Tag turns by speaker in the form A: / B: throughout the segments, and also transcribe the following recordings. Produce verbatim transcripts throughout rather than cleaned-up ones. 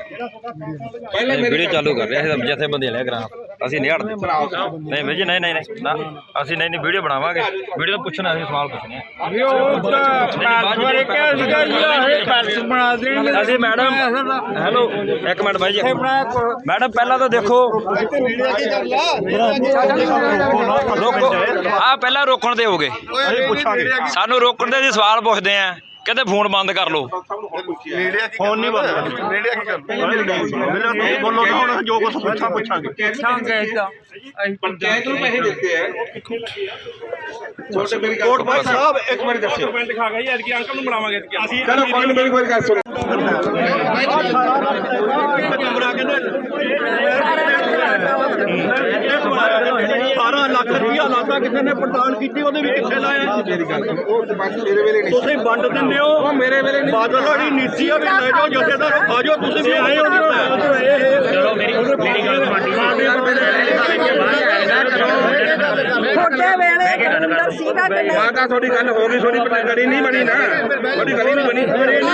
A: Video चालू कर रहे हैं जैसे बंदे ले करा ਅਸੀਂ ਨਹੀਂ ਹਟਦੇ ਨਹੀਂ ਵੀਰ ਜੀ ਨਹੀਂ ਨਹੀਂ ਨਹੀਂ ਨਾ ਅਸੀਂ ਨਹੀਂ ਨਹੀਂ ਵੀਡੀਓ ਬਣਾਵਾਂਗੇ ਵੀਡੀਓ ਪੁੱਛਣਾ ਅਸੀਂ ਸਵਾਲ ਪੁੱਛਣੇ ਆ ਅਸੀਂ ਮੈਡਮ ਹੈਲੋ ਇੱਕ ਮਿੰਟ ਬਾਈ ਜੀ ਮੈਡਮ ਪਹਿਲਾਂ ਤਾਂ ਦੇਖੋ ਰੋਕੋ ਆ ਪਹਿਲਾਂ ਰੋਕਣ ਦੇ ਹੋਗੇ ਸਾਨੂੰ ਰੋਕਣ ਦੇ ਅਸੀਂ ਸਵਾਲ ਪੁੱਛਦੇ ਆ कहते फोन बंद कर लो
B: फोन नहीं बंद मीडिया की कर बोलो ना हुण जो कुछ पूछा पूछांगे पंचायत ਨੂੰ ਪੈਸੇ ਦਿੱਤੇ ਹੈ ਛੋਟੇ ਮੇਰੀ ਕੋਟ ਭਾਈ ਸਾਹਿਬ ਇੱਕ ਮਿੰਟ ਦੱਸਿਓ ਪਿੰਡ ਦਿਖਾ ਗਿਆ ਯਾਰ ਕਿ ਅੰਕਲ ਨੂੰ ਬਣਾਵਾਂਗੇ ਅਸੀਂ ਚਲੋ ਕੋਈ ਮੇਰੀ ਕੋਈ ਗੱਲ ਸੁਣੋ ਕਮਰਾ ਅਠਾਰਾਂ ਲੱਖ ਰੁਪਇਆ ਲਾਤਾ ਕਿਸੇ ਨੇ ਪੜਤਾਲ ਕੀਤੀ ਉਹਦੇ ਵੀ ਕਿੱਥੇ ਲਾਇਆ ਮੇਰੀ ਗੱਲ ਮੇਰੇ ਵੇਲੇ ਨਹੀਂ ਤੁਸੀਂ ਵੰਡ ਦਿੰਦੇ ਹੋ ਮੇਰੇ ਵੇਲੇ ਨਹੀਂ ਬਾਦਲ ਵਾਲੀ ਨੀਤੀ ਆ ਵੀ ਲੈ ਜਾਓ ਜਥੇਦਾਰ ਆ ਜਾਓ ਤੁਸੀਂ ਵੀ ਆਏ ਹੋ ਚਲੋ ਮੇਰੀ ਮੇਰੀ ਗੱਲ
C: ਛੋਟੇ ਵੇਲੇ ਅੰਦਰ ਸੀਗਾ ਕਿ ਨਹੀਂ
B: ਮਾਤਾ ਤੁਹਾਡੀ ਗੱਲ ਹੋ ਗਈ ਤੁਹਾਡੀ ਗਲੀ ਨਹੀਂ ਬਣੀ ਨਾ ਤੁਹਾਡੀ ਗਲੀ ਨਹੀਂ ਬਣੀ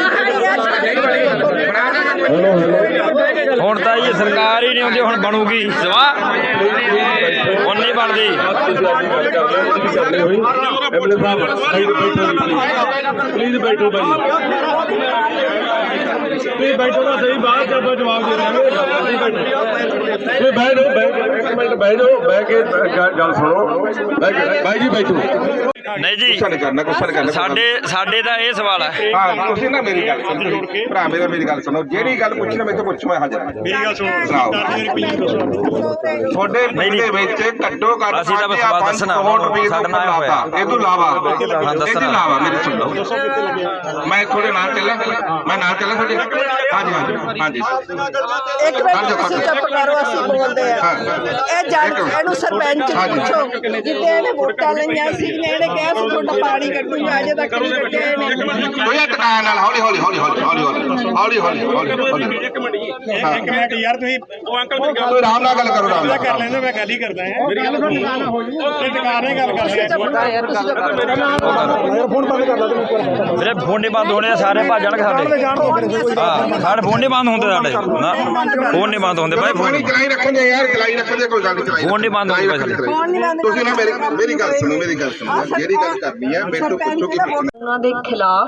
A: ਹੁਣ ਤਾਂ ਇਹ ਸਰਕਾਰ ਹੀ ਨਹੀਂ ਆਉਂਦੀ ਹੁਣ ਬਣੂਗੀ ਸਵਾ ਹੁਣ ਨਹੀਂ ਬਣਦੀ
B: ਪਲੀਜ਼ ਬੈਠੋ ਭਾਈ ਤੁਸੀਂ ਬੈਠੋ ਨਾ ਸਹੀ ਬਾਅਦ ਚ ਆਪਾਂ ਜਵਾਬ ਦੇ ਦਾਂਗੇ ਤੁਸੀਂ ਬੈਠੋ ਇੱਕ ਮਿੰਟ ਬੈਠੋ ਬਹਿ ਕੇ ਗੱਲ ਸੁਣੋ ਭਾਈ ਜੀ ਬੈਠੋ
A: ਨਹੀਂ ਜੀ
B: ਗੁੱਸਾ ਨਹੀਂ ਕਰਨਾ ਗੁੱਸਾ ਨਹੀਂ ਕਰਨਾ
A: ਸਾਡੇ ਸਾਡੇ ਦਾ ਇਹ ਸਵਾਲ ਹੈ
B: ਹਾਂ ਤੁਸੀਂ ਨਾ ਮੇਰੀ ਗੱਲ ਸੁਣੋ ਭਰਾ ਮੇਰਾ ਮੇਰੀ ਗੱਲ ਸੁਣੋ ਜਿਹੜੀ ਗੱਲ ਪੁੱਛਣਾ ਮੈਂ ਤਾਂ ਪੁੱਛੋ ਮੈਂ ਹਾਜ਼ਰ ਮੇਰੀ ਗੱਲ ਸੁਣੋ ਤੁਹਾਡੇ ਪਿੰਡ ਦੇ ਵਿੱਚ ਘੱਟੋ ਘੱਟ
A: ਅਸੀਂ ਤਾਂ ਸਵਾਲ ਦੱਸਣਾ
B: ਸਾਡਾ ਨਾਮ ਹੋਇਆ ਇਹ ਤੋਂ ਇਲਾਵਾ ਹਾਂ ਦੱਸਣਾ ਇਲਾਵਾ ਮੇਰੇ ਸੁਣੋ ਮੈਂ ਤੁਹਾਡੇ ਨਾਲ ਚੱਲਾਂ ਮੈਂ ਨਾਲ ਚੱਲਾਂ ਤੁਹਾਡੇ ਹਾਂਜੀ ਹਾਂਜੀ ਹਾਂਜੀ
C: ਇੱਕ ਮਿੰਟ ਤੁਸੀਂ ਚੁੱਪ ਕਰੋ ਅਸੀਂ ਬੋਲਦੇ ਆ ਇਹ ਜੱਜ ਇਹਨੂੰ ਸਰਪੰਚ ਪੁੱਛੋ ਜਿੱਤੇ ਇਹਨੇ ਵੋਟਾਂ ਲਈਆਂ ਸੀ ਇਹਨੇ ਕਿਹਾ ਸੀ ਤੁਹਾਡਾ ਪਾਣੀ ਕੱਢੂਗਾ ਅਜੇ ਤੱਕ ਨਹੀਂ ਕੱਢਿਆ ਇਹਨੇ
B: ਕੋਈ ਟਿਕਾਣ ਨਾਲ ਹੌਲੀ ਹੌਲੀ ਹੌਲੀ ਹੌਲੀ ਹੌਲੀ ਹੌਲੀ ਹੌਲੀ ਹੌਲੀ ਇੱਕ ਮਿੰਟ ਇੱਕ ਮਿੰਟ ਯਾਰ ਤੁਸੀਂ ਉਹ ਅੰਕਲ ਮੇਰੀ ਗੱਲ ਆਰਾਮ ਨਾਲ ਗੱਲ ਕਰੋ ਆਰਾਮ ਨਾਲ ਕਰ ਲੈਂਦੇ ਮੈਂ ਗੱਲ ਹੀ ਕਰਦਾ ਹਾਂ ਮੇਰੀ ਗੱਲ ਸੁਣੋ ਤੇ ਟਿਕਾਣ ਨਾਲ ਗੱਲ ਕਰਦੇ
C: ਯਾਰ
B: ਫੋਨ ਬੰਦ ਕਰ ਲਾ ਤੂੰ
A: ਮੇਰੇ ਫੋਨ ਨਹੀਂ ਬੰਦ ਹੋਣੇ ਸਾਰੇ ਭੱਜ ਜਾਣਗੇ ਸਾਡੇ ਹਾਂ ਸਾਡੇ ਫੋਨ ਨਹੀਂ ਬੰਦ ਹੁੰਦੇ ਸਾਡੇ ਨਾ ਫੋਨ ਨਹੀਂ ਬੰਦ ਹੁੰਦੇ ਭਾਈ ਫੋਨ
B: ਚਲਾਈ ਰੱਖਣਗੇ ਯਾਰ ਚਲਾਈ ਰੱਖਣਗੇ ਕੋਈ ਗੱਲ ਨਹੀਂ
A: ਫੋਨ ਨਹੀਂ ਬੰਦ ਹੁੰਦੇ
B: ਤੁਸੀਂ ਨਾ ਮੇਰੀ ਮੇਰੀ ਗੱਲ ਸੁਣੋ ਮੇਰੀ ਗੱਲ ਸੁਣੋ ਜਿਹੜੀ ਗੱਲ ਕਰਨੀ ਹੈ ਮੇਰੇ ਤੋਂ ਪੁੱਛੋ ਕਿ
D: ਉਹਨਾਂ ਦੇ ਖਿਲਾਫ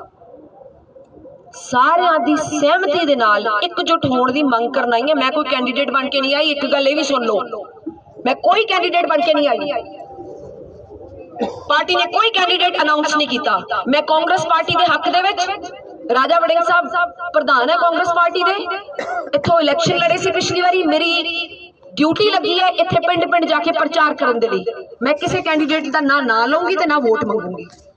D: ਸਾਰਿਆਂ ਦੀ ਸਹਿਮਤੀ ਦੇ ਨਾਲ ਇਕਜੁੱਟ ਹੋਣ ਦੀ ਮੰਗ ਕਰਨ ਆਈ ਹੈ। ਮੈਂ ਕੋਈ ਕੈਂਡੀਡੇਟ ਬਣ ਕੇ ਨਹੀਂ ਆਈ, ਇੱਕ ਗੱਲ ਇਹ ਵੀ ਸੁਣ ਲਓ, ਮੈਂ ਕੋਈ ਕੈਂਡੀਡੇਟ ਬਣ ਕੇ ਨਹੀਂ ਆਈ। ਪਾਰਟੀ ਨੇ ਕੋਈ ਕੈਂਡੀਡੇਟ ਅਨਾਉਂਸ ਨਹੀਂ ਕੀਤਾ। ਮੈਂ ਕਾਂਗਰਸ ਪਾਰਟੀ ਦੇ ਹੱਕ ਦੇ ਵਿੱਚ, ਰਾਜਾ ਵੜਿੰਗ ਸਾਹਿਬ ਪ੍ਰਧਾਨ ਹੈ ਕਾਂਗਰਸ ਪਾਰਟੀ ਦੇ, ਇੱਥੋਂ ਇਲੈਕਸ਼ਨ ਲੜੇ ਸੀ ਪਿਛਲੀ ਵਾਰੀ। ਮੇਰੀ ਡਿਊਟੀ ਲੱਗੀ ਹੈ ਇੱਥੇ ਪਿੰਡ ਪਿੰਡ ਜਾ ਕੇ ਪ੍ਰਚਾਰ ਕਰਨ ਦੇ ਲਈ। ਮੈਂ ਕਿਸੇ ਕੈਂਡੀਡੇਟ ਦਾ ਨਾ ਨਾਂ ਲਊਂਗੀ ਤੇ ਨਾ ਵੋਟ ਮੰਗੂੰਗੀ।